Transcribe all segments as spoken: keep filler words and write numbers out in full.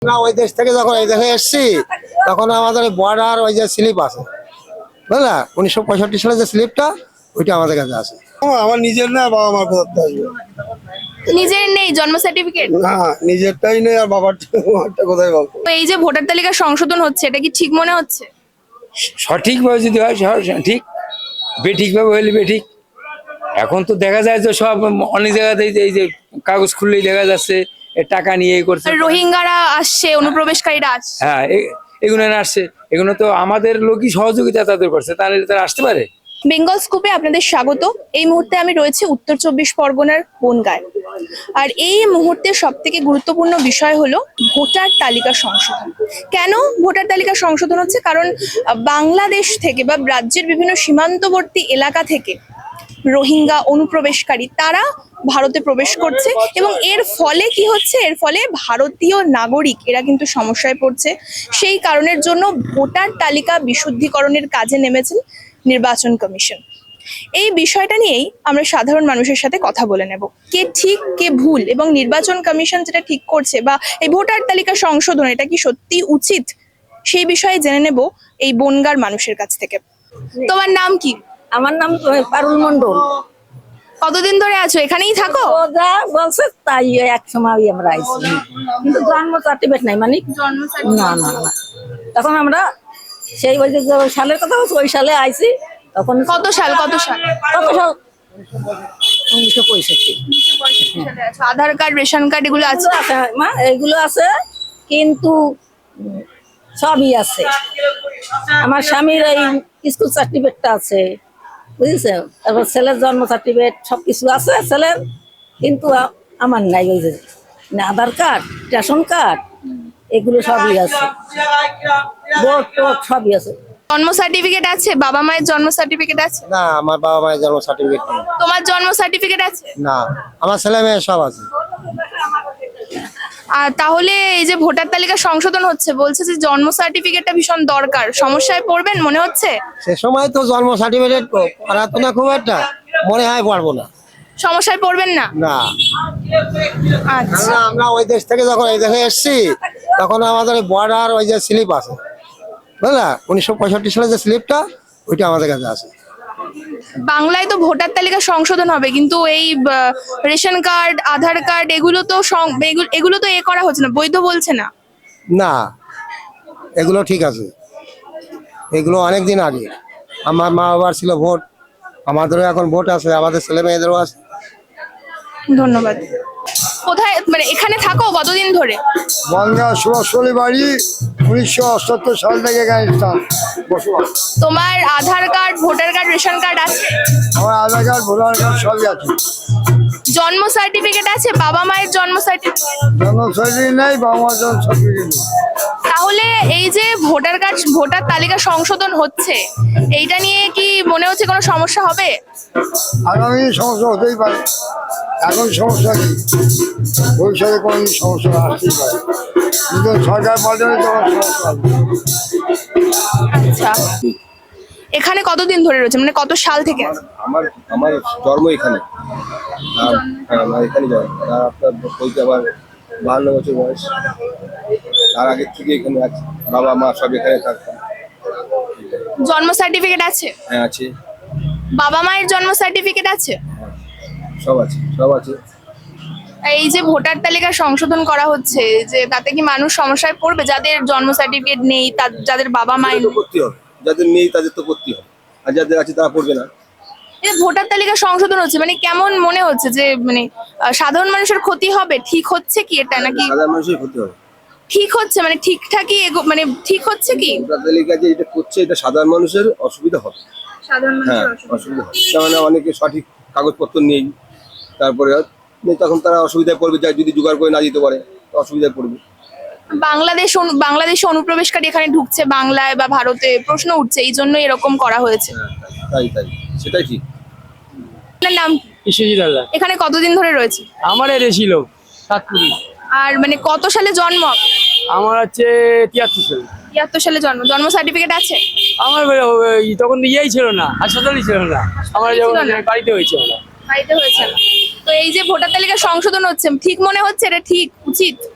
না ওই দেশ থেকে যখন এই দেশে এসছি তখন আমাদের বর্ডার ওই যে স্লিপ আছে বুঝলা উনিশশো পঁয়ষট্টি সালে যে স্লিপটা ওইটা আমাদের কাছে আছে। আমার নিজের না বাবা মার কোথাতে আসবে নিজের নেই জন্ম সার্টিফিকেট? না নিজেরটাই নেই আর বাবারটা কোথায় পাবো। তো এই যে ভোটার তালিকা সংশোধন হচ্ছে এটা কি ঠিক মনে হচ্ছে? সঠিকভাবে যদি হয় ঠিক, বেঠিকভাবে হইলে বেঠিক। এখন তো দেখা যায় যে সব অনেক জায়গাতেই এই যে কাগজ খুললেই দেখা যাচ্ছে টাকা নিয়ে করছে, রোহিঙ্গারা আসছে, অনুপ্রবেশকারীরা আসছে। হ্যাঁ এগুলো আসছে, এগুলো তো আমাদের লোকই সহযোগিতা তাদের করছে, তাহলে তারা আসতে পারে। বেঙ্গল স্কুপে আপনাদের স্বাগত। এই মুহূর্তে আমি রয়েছি উত্তর চব্বিশ পরগনার বনগাঁয়। আর এই মুহূর্তে সব থেকে গুরুত্বপূর্ণ বিষয় হলো ভোটার তালিকা সংশোধন। কেন ভোটার তালিকা সংশোধন হচ্ছে? কারণ বাংলাদেশ থেকে বা রাজ্যের বিভিন্ন সীমান্তবর্তী এলাকা থেকে রোহিঙ্গা অনুপ্রবেশকারী তারা ভারতে প্রবেশ করছে এবং এর ফলে কি হচ্ছে, এর ফলে ভারতীয় নাগরিক এরা কিন্তু সমস্যায় পড়ছে। সেই কারণের জন্য ভোটার তালিকা বিশুদ্ধিকরণের কাজে নেমেছেন নির্বাচন কমিশন। এই বিষয়টা নিয়েই আমরা সাধারণ মানুষের সাথে কথা বলে নেব, কে ঠিক কে ভুল, এবং নির্বাচন কমিশন যেটা ঠিক করছে বা এই ভোটার তালিকা সংশোধন এটা কি সত্যি উচিত, সেই বিষয়ে জেনে নেব এই বনগাঁর মানুষের কাছ থেকে। তোমার নাম কি? আমার নাম পারুল মন্ডল। কতদিন ধরে আছো এখানেই থাকো? ও যা বলছে তাই এক সময় আমরা আইছি, কিন্তু জন্ম সার্টিফিকেট নাই। মানে না না না তখন আমরা সেই ওই যে সালের কথা বলছি ওই সালে আইছি। তখন কত সাল? কত সাল? কত সাল? উনিশশো পঁয়ষট্টি। আধার কার্ড, রেশন কার্ড এগুলো আছে? আছে মা, এগুলো আছে, কিন্তু সবই আছে। আমার স্বামীর এই স্কুল সার্টিফিকেটটা আছে, বুঝেছে? তারপর ছেলের জন্ম সার্টিফিকেট সবকিছু আছে ছেলের, কিন্তু আমার নাই। ওই যে আধার কার্ড, রেশন কার্ড এগুলো সবই আছে, ভোট টোট সবই আছে। জন্ম সার্টিফিকেট আছে? বাবা মায়ের জন্ম সার্টিফিকেট আছে? না আমার বাবা মায়ের জন্ম সার্টিফিকেট নেই। তোমার জন্ম সার্টিফিকেট আছে? না আমার ছেলে মেয়ে সব আছে। আর তাহলে এই যে ভোটার তালিকা সংশোধন হচ্ছে, বলছে যে জন্ম সার্টিফিকেটটা ভীষণ দরকার, সমস্যায় পড়বেন মনে হচ্ছে? সে সময় তো জন্ম সার্টিফিকেট করাতো না, খুব একটা মনে হয় পারবো না। সমস্যায় পড়বেন না? না আচ্ছা। আমরা ওই দেশ থেকে যখন এই দেশে এসছি তখন আমাদের বর্ডার ওই যে স্লিপ আছে বুঝলা উনিশশো পঁয়ষট্টি সালে যে স্লিপটা ওইটা আমাদের কাছে আছে। বাংলায় তো ভোটার তালিকা সংশোধন হবে, কিন্তু এই রেশন কার্ড, আধার কার্ড এগুলো তো সং- এগুলো- এগুলো তো এ করা হচ্ছে না, বৈধ বলছে না। না এগুলো ঠিক আছে, এগুলো অনেক দিন আগে আমার মা বাবার ছিল ভোট, আমাদেরও এখন ভোট আছে, আমাদের ছেলে মেয়েদেরও আছে। ধন্যবাদ। কোথায় মানে এখানে থাকো কতদিন ধরে? বনগাঁ সুভাষপল্লী বাড়ি, উনিশশো অষ্টাত্তর সাল থেকে এখানে স্থান বসবাস। তোমার Aadhaar card, voter card, ration card আছে? আমার আধার কার্ড, ভোটার কার্ড সবই আছে। জন্ম সার্টিফিকেট আছে? বাবা মায়ের জন্ম সার্টিফিকেট? জন্ম সার্টিফিকেট নেই, বাবা মার জন্ম সার্টিফিকেট নেই। তাহলে এই যে ভোটার কার্ড, ভোটার তালিকা সংশোধন হচ্ছে, এইটা নিয়ে কি মনে হচ্ছে কোনো সমস্যা হবে? আগামী সমস্যা হতেই পারে, এখন সমস্যা নেই, ভবিষ্যতে কোনো সমস্যা আসতেই পারে, কিন্তু সরকার পাল্টালে তখন সমস্যা হবে। আচ্ছা, এখানে কতদিন ধরে রয়েছে, মানে কত সাল থেকে আছে? আমার আমার জন্ম এখানে, আমার এখানে জন্ম। আর আপনার বলতে আবার বাহান্ন বছর বয়স, তার আগের থেকে এখানে আছে, বাবা মা সব এখানে থাকতাম। জন্ম সার্টিফিকেট আছে? হ্যাঁ আছে, বাবা মায়ের জন্ম সার্টিফিকেট আছে? সব আছে, সব আছে। এই যে ভোটার তালিকা সংশোধন করা হচ্ছে, যে তাতে কি মানুষ সমস্যায় পড়বে যাদের জন্ম সার্টিফিকেট নেই, যাদের বাবা মায়ের? তো করতে হবে, যাদের নেই তাদের তো করতে হবে, আর যাদের আছে তারা পড়বে না। এই ভোটার তালিকা সংশোধন হচ্ছে মানে কেমন মনে হচ্ছে যে মানে আহ, সাধারণ মানুষের ক্ষতি হবে? ঠিক হচ্ছে কি এটা, নাকি সাধারণ মানুষের ক্ষতি হবে? ঠিক হচ্ছে মানে ঠিকঠাকই এগো- মানে ঠিক হচ্ছে কি? ভোটার তালিকা যে এটা করছে, এটা সাধারণ মানুষের অসুবিধা হবে। সাধারণ হ্যাঁ অসুবিধা হবে, তার মানে অনেকে সঠিক কাগজপত্র নেই, তারপরে নেই, তখন তারা অসুবিধায় পড়বে, যা যদি জোগাড় করে না দিতে পারে তো অসুবিধায় পড়বে। বাংলাদেশ অনু- বাংলাদেশে অনুপ্রবেশকারী এখানে ঢুকছে বাংলায় বা ভারতে, প্রশ্ন উঠছে এই জন্য এরকম করা হয়েছে। হ্যাঁ তাই তাই সেটাই ঠিক। আপনার নাম কি? বিশ্বজিৎ হালদার। এখানে কতদিন ধরে রয়েছে? আমার এর ছিল সাতপুরি। আর মানে কত সালে জন্ম? আমার হচ্ছে তিয়াত্তর সাল। তিয়াত্তর সালে জন্ম। জন্ম সার্টিফিকেট আছে? আমার ওই তখন তো ইয়েই ছিল না, হাসপাতালই ছিল না, আমার যখন ছিল না? বাড়িতে হয়েছে আমার। বাড়িতে হয়েছে না। তো এই যে ভোটার তালিকা সংশোধন হচ্ছে, ঠিক মনে হচ্ছে এটা ঠিক উচিত?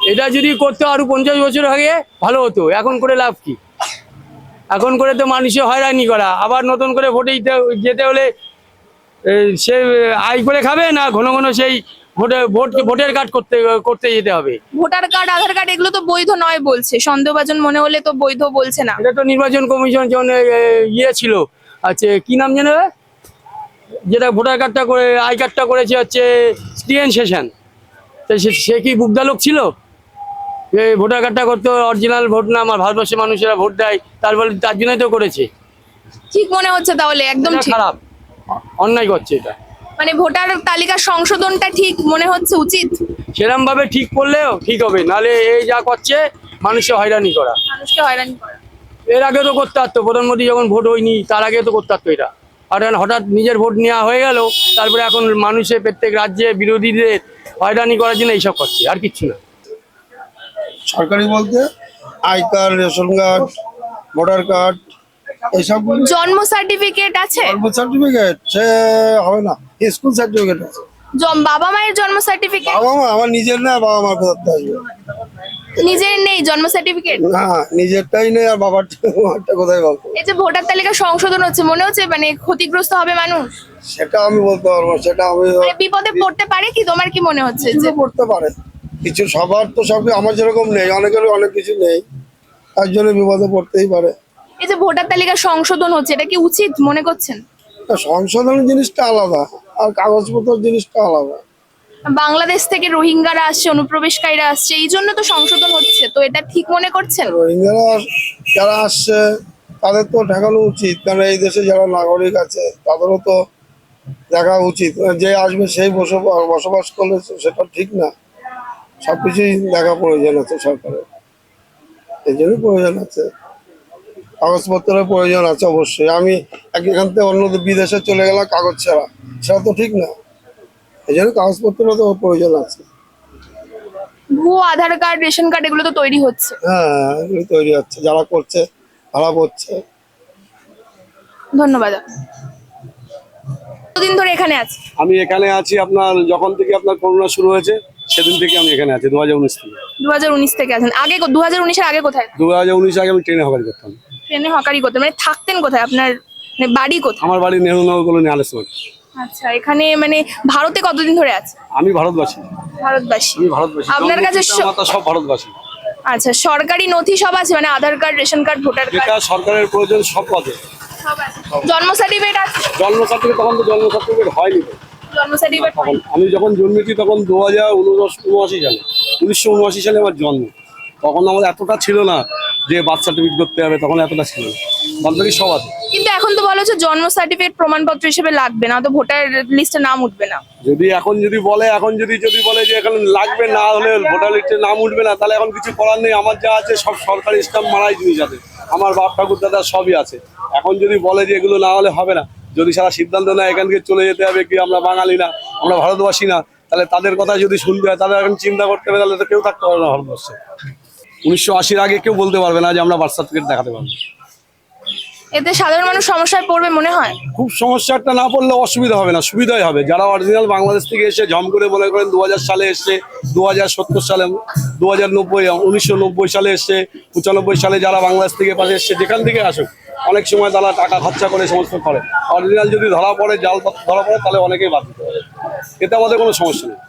এটা যদি করতে আরো পঞ্চাশ বছর আগে ভালো হতো, এখন করে লাভ কি? এখন করে তো মানুষের হয়রানি করা, আবার নতুন করে ভোটে দিতে- যেতে হলে এ, সে আয় করে খাবে না ঘন ঘন সেই ভোটে ভোট ভোটের কার্ড করতে করতে যেতে হবে। ভোটার কার্ড আধার কার্ড এগুলো তো বৈধ নয় বলছে, সন্দেহভাজন মনে হলে তো বৈধ বলছে না। এটা তো নির্বাচন কমিশন যখন এ, ইয়ে ছিল, আচ্ছা কি নাম জানো যেটা ভোটার কার্ডটা করে আই কার্ডটা করেছে হচ্ছে স্টিএন সেশন, তো সে- সে কি বুকদালোক ছিল? এই ভোটার কার্ডটা করতে অরিজিনাল ভোট না, আমার ভারতবর্ষের মানুষেরা ভোট দেয়, তারপরে তার জন্যই তো করেছে। ঠিক মনে হচ্ছে তাহলে একদম এটা ঠিক, খারাপ, অ- অন্যায় করছে এটা। মানে ভোটার তালিকা সংশোধনটা ঠিক মনে হচ্ছে উচিত, সেরম ভাবে ঠিক করলেও ঠিক হবে, নালে এই যা করছে মানুষের হয়রানি করা। মানুষকে হয়রানি করা। এর আগে তো করতে পারতো, প্রধানমন্ত্রী যখন ভোট হয়নি তার আগে তো করতে পারতো এটা। আর এখন হঠাৎ নিজের ভোট নেওয়া হয়ে গেল, তারপরে এখন মানুষের প্রত্যেক রাজ্যে বিরোধীদের হয়রানি করার জন্য এইসব করছে, আর কিচ্ছু না। সরকারি বলতে I card, ration card, voter card, এইসব জন্ম সার্টিফিকেট আছে, সার্টিফিকেট সে হবে না, স্কুল সার্টিফিকেট আছে। জম- বাবা মায়ের জন্ম সার্টিফিকেট বাবা মা আমার নিজের না, বাবা মার কোথাতে আসবে? নিজের নেই জন্ম সার্টিফিকেট। না, নিজেরটাই নেই, আর বাবারটা বাবারটা কোথায় পাবো? এই যে ভোটার তালিকা সংশোধন হচ্ছে, মনে হচ্ছে মানে ক্ষতিগ্রস্ত হবে মানুষ, সেটা আমি বলতে পারবো না, সেটা আমি মানে বিপদে পড়তে পারে কি? তোমার কি মনে হচ্ছে যে কিছু করতে পারে, কিছু সবার তো সব আমার যেরকম নেই, অনেকের অনেক কিছু নেই, তার জন্য বিপদে পড়তেই পারে। এই যে ভোটার তালিকা সংশোধন হচ্ছে, এটা কি উচিত মনে করছেন? তা সংশোধনের জিনিসটা আলাদা, আর কাগজপত্র জিনিসটা আলাদা। বাংলাদেশ থেকে রোহিঙ্গারা আসছে, অনুপ্রবেশকারীরা আসছে, এই জন্য তো সংশোধন হচ্ছে, তো এটা ঠিক মনে করছেন? রোহিঙ্গারা যারা আসছে তাদের তো ঠেকানো উচিত, কারণ এই দেশে যারা নাগরিক আছে তাদেরও তো দেখা উচিত। যে আসবে সেই বসবাস বসবাস করলে সেটা ঠিক না, সবকিছুই দেখা প্রয়োজন আছে সরকারের, এই জন্যই প্রয়োজন আছে, কাগজপত্রের প্রয়োজন আছে অবশ্যই। আমি এক- এখান থেকে অন্য বিদেশে চলে গেলাম কাগজ ছাড়া, সেটা তো ঠিক না, এই জন্য কাগজপত্রেরও তো প্রয়োজন আছে। ভুয়ো আধার কার্ড, রেশন কার্ড এগুলো তো তৈরি হচ্ছে। হ্যাঁ, এগুলি তৈরি হচ্ছে, যারা করছে ভাড়া পড়ছে। ধন্যবাদ। কতদিন ধরে এখানে আছে? আমি এখানে আছি আপনার যখন থেকে আপনার করোনা শুরু হয়েছে সেদিন থেকে আমি এখানে আছি, দু হাজার উনিশ থেকে। দু হাজার উনিশ থেকে আছেন? আগে দু হাজার উনিশের আগে কোথায়? দু হাজার উনিশ আগে আমি ট্রেনে হকারি করতাম। ট্রেনে হকারি করতেন, মানে থাকতেন কোথায়? আপনার মানে বাড়ি কোথায়? আমার বাড়ি নেহরুনগর কলোনি আলেসময়। আচ্ছা, এখানে মানে ভারতে কতদিন ধরে আছে? আমি ভারতবাসী, ভারতবাসী। আমি ভারতবাসী, আপনার কাছে স- মাতা সব ভারতবাসী। আচ্ছা, সরকারি নথি সব আছে, মানে Aadhaar card, ration card, voter যেটা কার্ড সরকারের প্রয়োজন সব পদে। সব আছে। জন্ম সার্টিফিকেট আছে? জন্ম সার্টিফিকেট তখন তো জন্ম সার্টিফিকেট হয়নি তো। জন্ম সার্টিফিকেট তখন আমি যখন জন্মেছি তখন দু হাজার উনআশি সালে উনিশশো উনআশি সালে আমার জন্ম, তখন আমাদের এতটা ছিল না যে বার্থ সার্টিফিকেট করতে হবে, তখন এতটা ছিল না, বাকি সব আছে। কিন্তু এখন তো বলা হচ্ছে জন্ম সার্টিফিকেট প্রমাণপত্র হিসেবে লাগবে না, তো ভোটার লিস্টে নাম উঠবে না। যদি এখন যদি বলে এখন যদি যদি বলে যে এখন লাগবে না হলে ভোটার লিস্টে নাম উঠবে না, তাহলে এখন কিছু করার নেই। আমার যা আছে সব সরকারি স্ট্যাম্প মারাই জিনিস আছে, আমার বাপ ঠাকুর দাদা সবই আছে। এখন যদি বলে যে এগুলো না হলে হবে না, যদি সারা সিদ্ধান্ত নেয় এখান থেকে চলে যেতে হবে, কি আমরা বাঙালি না, আমরা ভারতবাসী না, তাহলে তাদের কথা যদি শুনতে হয়, তাদের এখন চিন্তা করতে হবে, তাহলে তো কেউ থাকতে পারবে না ভারতবর্ষে। উনিশশো আশির আগে কেউ বলতে পারবে না যে আমরা বার্থ সার্টিফিকেট দেখাতে পারবো। এতে সাধারণ মানুষ সমস্যায় পড়বে মনে হয়? খুব সমস্যাটা না পড়লে অসুবিধা হবে না, সুবিধাই হবে। যারা অরিজিনাল বাংলাদেশ থেকে এসে ঝম করে মনে করেন দু হাজার সালে এসছে, দু হাজার সত্তর সালে, দু হাজার নব্বই উনিশশো নব্বই সালে এসছে, পঁচানব্বই সালে যারা বাংলাদেশ থেকে পাশে এসছে, যেখান থেকে আসুক, অনেক সময় তারা টাকা খরচা করে সমস্ত করে। অরিজিনাল যদি ধরা পড়ে, জাল ধরা পড়ে, তাহলে অনেকেই বাদ দিতে পারে, এতে আমাদের কোনো সমস্যা নেই।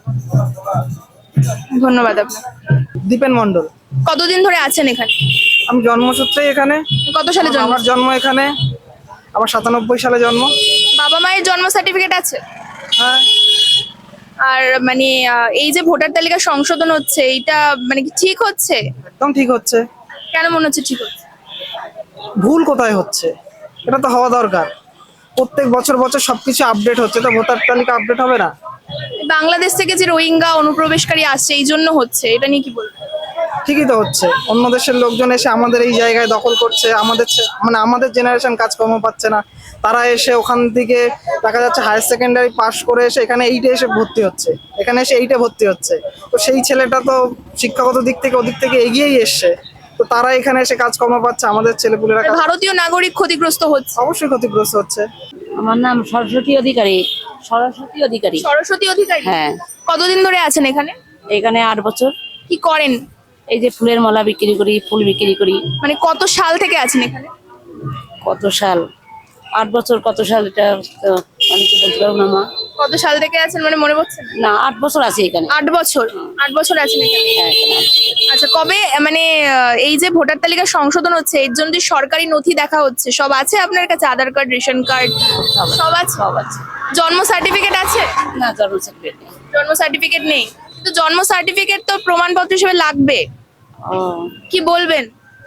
ধন্যবাদ আপনার। দীপেন মন্ডল। কতদিন ধরে আছেন এখানে? আমি জন্মসূত্রে এখানে। কত সালে জন্ম? আমার জন্ম এখানে, আমার সাতানব্বই সালে জন্ম। বাবা মায়ের জন্ম সার্টিফিকেট আছে? হ্যাঁ। আর মানে আহ, এই যে ভোটার তালিকা সংশোধন হচ্ছে, এইটা মানে কি ঠিক হচ্ছে? একদম ঠিক হচ্ছে। কেন মনে হচ্ছে ঠিক হচ্ছে? ভুল কোথায় হচ্ছে? এটা তো হওয়া দরকার। প্রত্যেক বছর বছর সবকিছু আপডেট হচ্ছে, তো ভোটার তালিকা আপডেট হবে না? বাংলাদেশ থেকে যে রোহিঙ্গা অনুপ্রবেশকারী আসছে, এই জন্য হচ্ছে, এটা নিয়ে কি বলবো? ঠিকই তো হচ্ছে। অন্য দেশের লোকজন এসে আমাদের এই জায়গায় দখল করছে, আমাদের ছে- মানে আমাদের জেনারেশন কাজকর্ম পাচ্ছে না, তারা এসে ওখান থেকে দেখা যাচ্ছে হায়ার সেকেন্ডারি পাস করে এসে এখানে এইটে এসে ভর্তি হচ্ছে, এখানে এসে এইটে ভর্তি হচ্ছে। তো সেই ছেলেটা তো শিক্ষাগত দিক থেকে ওদিক থেকে এগিয়েই এসছে, তো তারা এখানে এসে কাজকর্ম পাচ্ছে, আমাদের ছেলেপুলেরা কাজ- ভারতীয় নাগরিক ক্ষতিগ্রস্ত হচ্ছে। অবশ্যই ক্ষতিগ্রস্ত হচ্ছে। আমার নাম সরস্বতী অধিকারী। সরস্বতী অধিকারী। সরস্বতী অধিকারী। হ্যাঁ, কতদিন ধরে আছেন এখানে? এখানে আট বছর। কি করেন? এই যে ফুলের মালা বিক্রি করি, ফুল বিক্রি করি। মানে কত সাল থেকে আছেন এখানে? কত সাল, আট বছর। কত সাল এটা তো আমি তো বলতে পারবো না মা। কত সাল থেকে আছেন মানে মনে পড়ছে না? না, আট বছর আছে এখানে। আট বছর আট বছর আছেন এখানে। হ্যাঁ, এখানে আট বছর। আচ্ছা, কবে মানে আহ, এই যে ভোটার তালিকা সংশোধন হচ্ছে এর জন্য যে সরকারি নথি দেখা হচ্ছে, সব আছে আপনার কাছে? আধার কার্ড, রেশন কার্ড সব আছে? সব আছে। জন্ম সার্টিফিকেট আছে? না, জন্ম সার্টিফিকেট নেই। জন্ম সার্টিফিকেট নেই, তো জন্ম সার্টিফিকেট তো প্রমাণপত্র হিসেবে লাগবে। ও, কি বলবেন?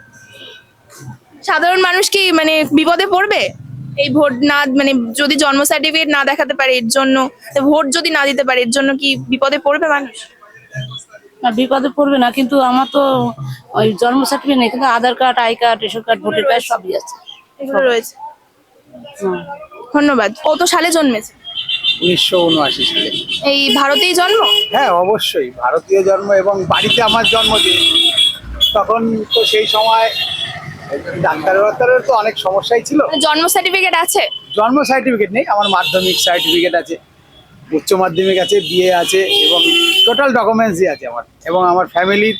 সাধারণ মানুষ কি মানে বিপদে পড়বে এই ভোট না, মানে যদি জন্ম সার্টিফিকেট না দেখাতে পারে এর জন্য, ভোট যদি না দিতে পারে এর জন্য কি বিপদে পড়বে মানুষ? না, বিপদে পড়বে না, কিন্তু আমার তো ওই জন্ম সার্টিফিকেট নেই, কিন্তু Aadhaar card, I card, ration card, voter card সবই আছে। এগুলো রয়েছে। হুম। ধন্যবাদ। কত সালে জন্মেছে? উনিশশো উনআশি সালে। এই ভারতেই জন্ম? হ্যাঁ, অবশ্যই ভারতীয় জন্ম, এবং বাড়িতে আমার জন্মদিন। তখন তো সেই সময় ডাক্তার ডাক্তারের তো অনেক সমস্যাই ছিল। জন্ম সার্টিফিকেট আছে? জন্ম সার্টিফিকেট নেই, আমার মাধ্যমিক সার্টিফিকেট আছে, উচ্চ মাধ্যমিক আছে, বিএ আছে, এবং টোটাল ডকুমেন্টসই আছে আমার। এবং আমার ফ্যামিলির,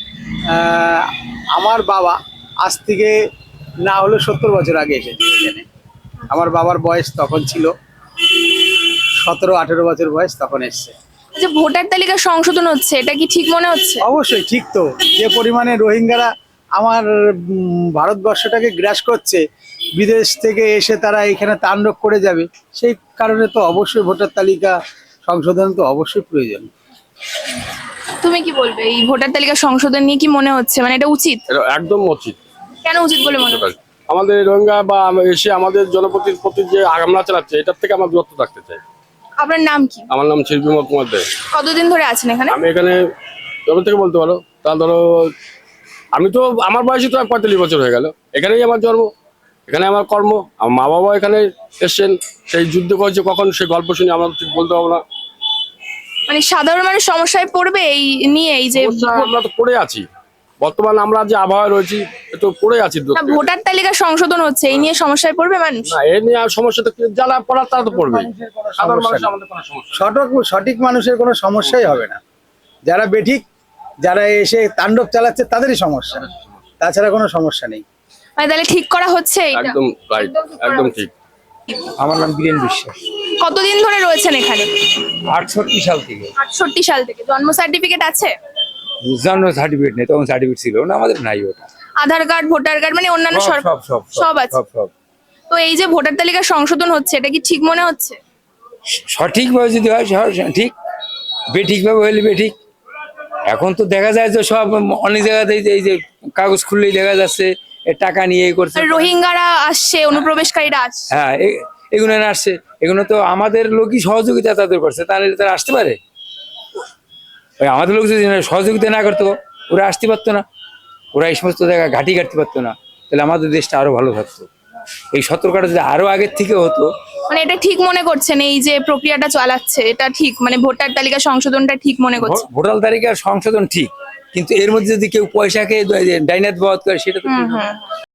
আমার বাবা আজ থেকে না হলে সত্তর বছর আগে এসেছে এখানে। আমার বাবার বয়স তখন ছিল সতেরো আঠেরো বছর বয়স, তখন এসছে। যে ভোটার তালিকা সংশোধন হচ্ছে এটা কি ঠিক মনে হচ্ছে? অবশ্যই ঠিক। তো যে পরিমাণে রোহিঙ্গারা আমার উম, ভারতবর্ষটাকে গ্রাস করছে, বিদেশ থেকে এসে তারা এখানে তাণ্ডব করে যাবে, সেই কারণে তো অবশ্যই ভোটার তালিকা সংশোধন তো অবশ্যই প্রয়োজন। তুমি কি বলবে এই ভোটার তালিকা সংশোধন নিয়ে? কি মনে হচ্ছে মানে এটা উচিত? এটা একদম উচিত। কেন উচিত বলে মনে হচ্ছে? আমাদের রোহিঙ্গা বা এসে আমাদের জনপ্রতির প্রতি যে হামলা চালাচ্ছে, এটার থেকে আমরা দূরত্ব থাকতে চাই। আপনার নাম কি? আমার নাম শিল্পী বিমল কুমার দে। কতদিন ধরে আছেন এখানে? আমি এখানে জবে থেকে বলতে পারো, তা ধরো আমি তো আমার বয়সে তো পঁয়তাল্লিশ বছর হয়ে গেল। এখানেই আমার জন্ম, এখানে আমার কর্ম। আমার মা বাবা এখানে এসছেন, সেই যুদ্ধ করেছে, কখন সেই গল্প শুনি আমরা ঠিক বলতে পারবো না। মানে সাধারণ মানুষ সমস্যায় পড়বে এই নিয়ে, এই যে সমস্যা আমরা তো পড়ে আছি বর্তমানে, আমরা যে আবহাওয়া রয়েছি একটু পড়ে আছি। না, ভোটার তালিকা সংশোধন হচ্ছে এই নিয়ে সমস্যায় পড়বে মানুষ? না, এ নিয়ে আর সমস্যা তো যারা পড়ার তারা তো পড়বে। সাধারণ মানুষ আমাদের কোনো সমস্যা সঠিক সঠিক মানুষের কোনো সমস্যাই হবে না। যারা বেঠিক, যারা এসে তাণ্ডব চালাচ্ছে তাদেরই সমস্যা, তাছাড়া কোনো সমস্যা নেই। মানে তাহলে ঠিক করা হচ্ছে এটা? একদম রাইট, একদম ঠিক। আমার নাম বীরেন বিশ্বাস। কতদিন ধরে রয়েছেন এখানে? আটষট্টি সাল থেকে। আটষট্টি সাল থেকে। জন্ম সার্টিফিকেট আছে? জন্ম সার্টিফিকেট নেই, তখন সার্টিফিকেট ছিল না, আমাদের নাই ওটা। আধার কার্ড, ভোটার কার্ড মানে অন্যান্য সব সর- সব সব সব আছে? সব সব তো এই যে ভোটার তালিকা সংশোধন হচ্ছে এটা কি ঠিক মনে হচ্ছে? সঠিকভাবে যদি হয় সব ঠিক, বেঠিকভাবে হলে বেঠিক। এখন তো দেখা যায় যে সব অনেক জায়গাতে এই যে- এই যে কাগজ খুললেই দেখা যাচ্ছে এ টাকা নিয়ে এই করছে। আর রোহিঙ্গারা আসছে, অনুপ্রবেশকারীরা আসছে। হ্যাঁ, এ- এগুলো না আসছে, এগুলো তো আমাদের লোকই সহযোগিতা তাদের করছে, তাহলে তারা আসতে পারে? ওই আমাদের লোক যদি সহযোগিতা না করতো ওরা আসতে পারতো না, ওরা এই সমস্ত জায়গায় ঘাঁটি কাটতে পারতো না, তাহলে আমাদের দেশটা আরো ভালো থাকতো। এই সতর্কতা যদি আরো আগের থেকে হতো। মানে এটা ঠিক মনে করছেন এই যে প্রক্রিয়াটা চালাচ্ছে এটা ঠিক, মানে ভোটার তালিকা সংশোধনটা ঠিক মনে করছে? ভো- ভোটার তালিকার সংশোধন ঠিক, কিন্তু এর মধ্যে যদি কেউ পয়সা খেয়ে ডাইনাত বাদ করে সেটা তো ঠিক হুম না। হুম